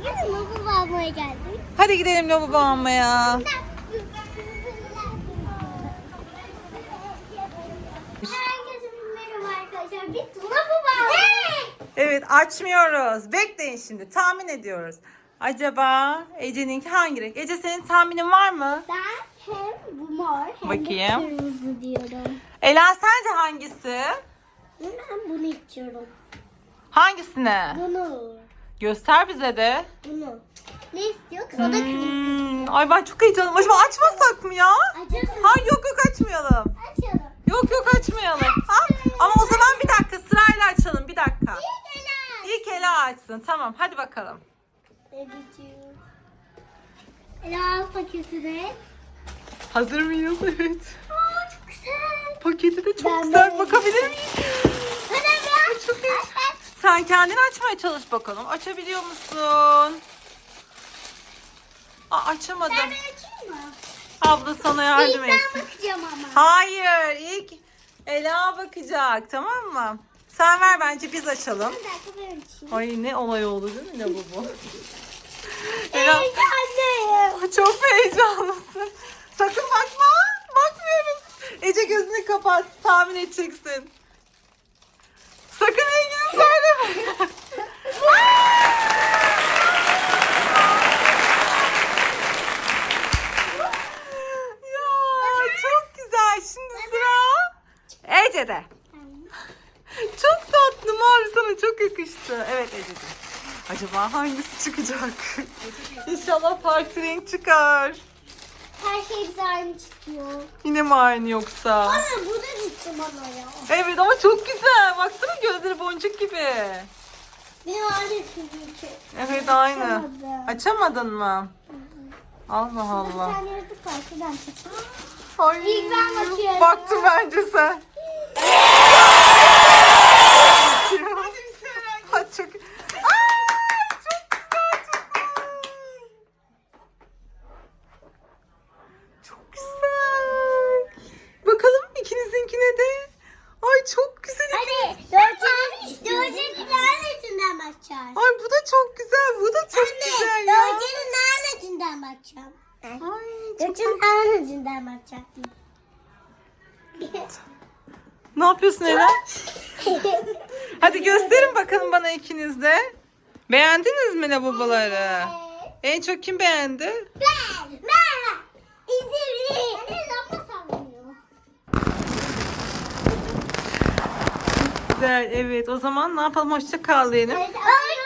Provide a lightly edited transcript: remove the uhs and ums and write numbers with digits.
Bugün lavabo almaya geldik. Hadi gidelim lavabo almaya. Herkese merhaba arkadaşlar. Biz lavabo aldık. Evet, açmıyoruz. Bekleyin şimdi. Tahmin ediyoruz. Acaba Ece'ninki hangi renk? Ece, senin tahminin var mı? Ben hem bu mor hem Bakayım. de kırmızı diyorum. Ela, sence hangisi? Ben bunu içiyorum. Hangisine? Bunu. Göster bize de. Bunu. Ne istiyor? O da kırmızı. Ay, ben çok heyecanlıyım. Acaba açmasak mı ya? Açalım. Hayır, yok açmayalım. Açalım. Yok açmayalım. Ha? Ama o zaman bir dakika, sırayla açalım. Bir dakika. İlk Ela açsın. Tamam, hadi bakalım. Ela paketine. Hazır mıyız? Evet. Aa, çok güzel. Paketi de çok Ben güzel. de- Bakabilir miyim? Hadi Çok iyi. Sen kendin açmaya çalış bakalım. Açabiliyor musun? Açamadım. Ben açayım mı? Abla sana yardım İlk ben etsin. bakacağım ama. Hayır, ilk Ela bakacak, tamam mı? Sen ver, bence biz açalım. Bir dakika ben açayım. Ay, ne olay oldu değil mi lavabo? Ela, Heyecanlıyım. çok heyecanlısın. Sakın bakma. Bakmıyoruz. Ece, gözünü kapat. Tahmin edeceksin. Sakın rengini söyleme. Ya çok güzel. Şimdi sıra Ece'de. Çok tatlı, mavi sana çok yakıştı. Evet Ece'ciğim. Acaba hangisi çıkacak? İnşallah farklı renk çıkar. Her şey bize aynı çıkıyor. Yine mi aynı yoksa? Ana bu da gitti bana ya. Evet ama çok güzel. Baksana, gözleri boncuk gibi. Benim aynı çünkü. Evet, aynı. Açamadım. Açamadın mı? Allah Bir Allah. tane yaratık var. Şuradan çıksın. Ay, İlk ben bakıyorum. baktım bence sen. Ay, çok... Ay, çok güzel, çok güzel. Bakalım ikinizinkine de. Ay, çok güzel. Hadi Dörce'nin lanetinden bakacağız. Ay, bu da çok güzel. Bu da çok güzel ya. Dörce'nin lanetinden bakacağım. Ay, çok... Dörce'nin lanetinden bakacaktım. Ne yapıyorsun Ela? Hadi gösterin bakalım bana ikiniz de. Beğendiniz mi lavaboları? En çok kim beğendi? Ben. İzleyin. Anne lamba sallanıyor. Güzel, evet. O zaman ne yapalım? Hoşça kal diyelim. Ay